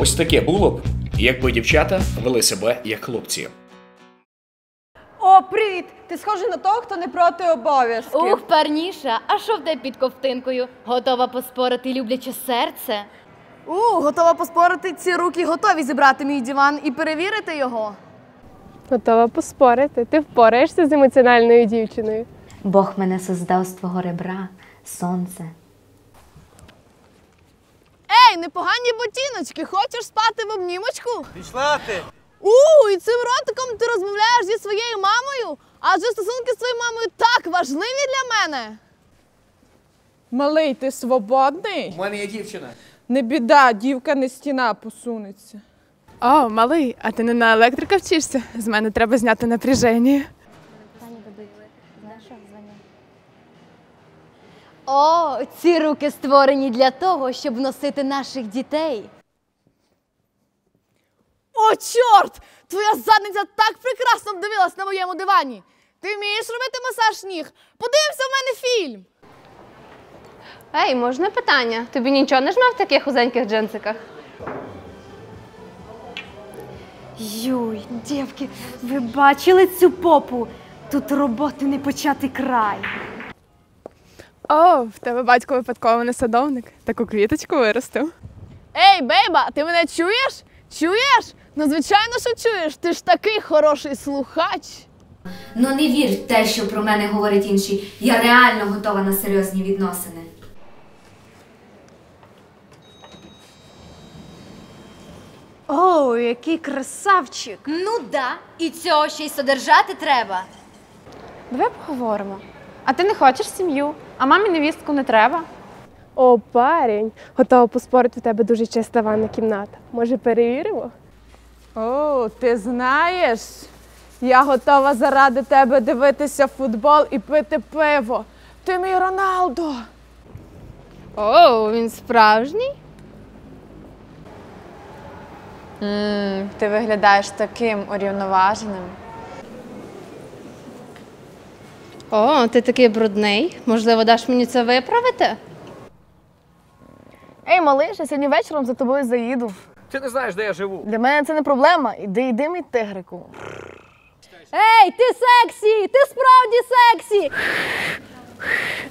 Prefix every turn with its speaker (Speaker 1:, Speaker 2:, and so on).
Speaker 1: Ось таке було б, якби дівчата вели себе як хлопці.
Speaker 2: О, привіт! Ти схожий на того, хто не проти обов'язків.
Speaker 3: Ух, парніша, а що в тебе під ковтинкою? Готова поспорити любляче серце?
Speaker 2: Готова поспорити, ці руки готові зібрати мій диван і перевірити його.
Speaker 4: Готова поспорити. Ти впораєшся з емоціональною дівчиною.
Speaker 5: Бог мене создав з твого ребра, сонце.
Speaker 2: Ей, непогані ботиночки, хочеш спати в обнімочку?
Speaker 6: Пішла ти!
Speaker 2: І цим ротиком ти розмовляєш зі своєю мамою? Адже стосунки з твоєю мамою так важливі для мене.
Speaker 7: Малий, ти свободний?
Speaker 1: У мене є дівчина.
Speaker 7: Не біда, дівка не стіна посунеться.
Speaker 4: О, малий, а ти не на електрика вчишся? З мене треба зняти напряження.
Speaker 3: О, ці руки створені для того, щоб носити наших дітей.
Speaker 2: О, чорт! Твоя задниця так прекрасно вдивилась на моєму дивані. Ти вмієш робити масаж ніг? Подивимося в мене фільм.
Speaker 8: Ей, можна питання? Тобі нічого не жме в таких узеньких джинсиках?
Speaker 9: Юй, дівки, ви бачили цю попу? Тут роботи не почати край.
Speaker 4: О, в тебе батько випадково не садовник. Таку квіточку виростив.
Speaker 2: Ей, бейба, ти мене чуєш? Чуєш? Ну, звичайно, що чуєш. Ти ж такий хороший слухач.
Speaker 5: Ну не вір в те, що про мене говорять інші. Я реально готова на серйозні відносини.
Speaker 9: О, який красавчик!
Speaker 3: Ну да, і цього ще й содержати треба.
Speaker 8: Давай поговоримо. А ти не хочеш сім'ю, а мамі невістку не треба.
Speaker 4: О, парень, готова поспорити, в тебе дуже чиста ванна кімната. Може, перевіримо?
Speaker 7: О, ти знаєш, я готова заради тебе дивитися футбол і пити пиво. Ти мій Роналдо.
Speaker 8: О, він справжній? Ти виглядаєш таким урівноваженим. О, ти такий брудний. Можливо, даш мені це виправити?
Speaker 2: Ей, малиш, я сьогодні вечором за тобою заїду.
Speaker 1: Ти не знаєш, де я живу.
Speaker 2: Для мене це не проблема. Іди, мій тигрику.
Speaker 3: Ей, ти сексі! Ти справді сексі!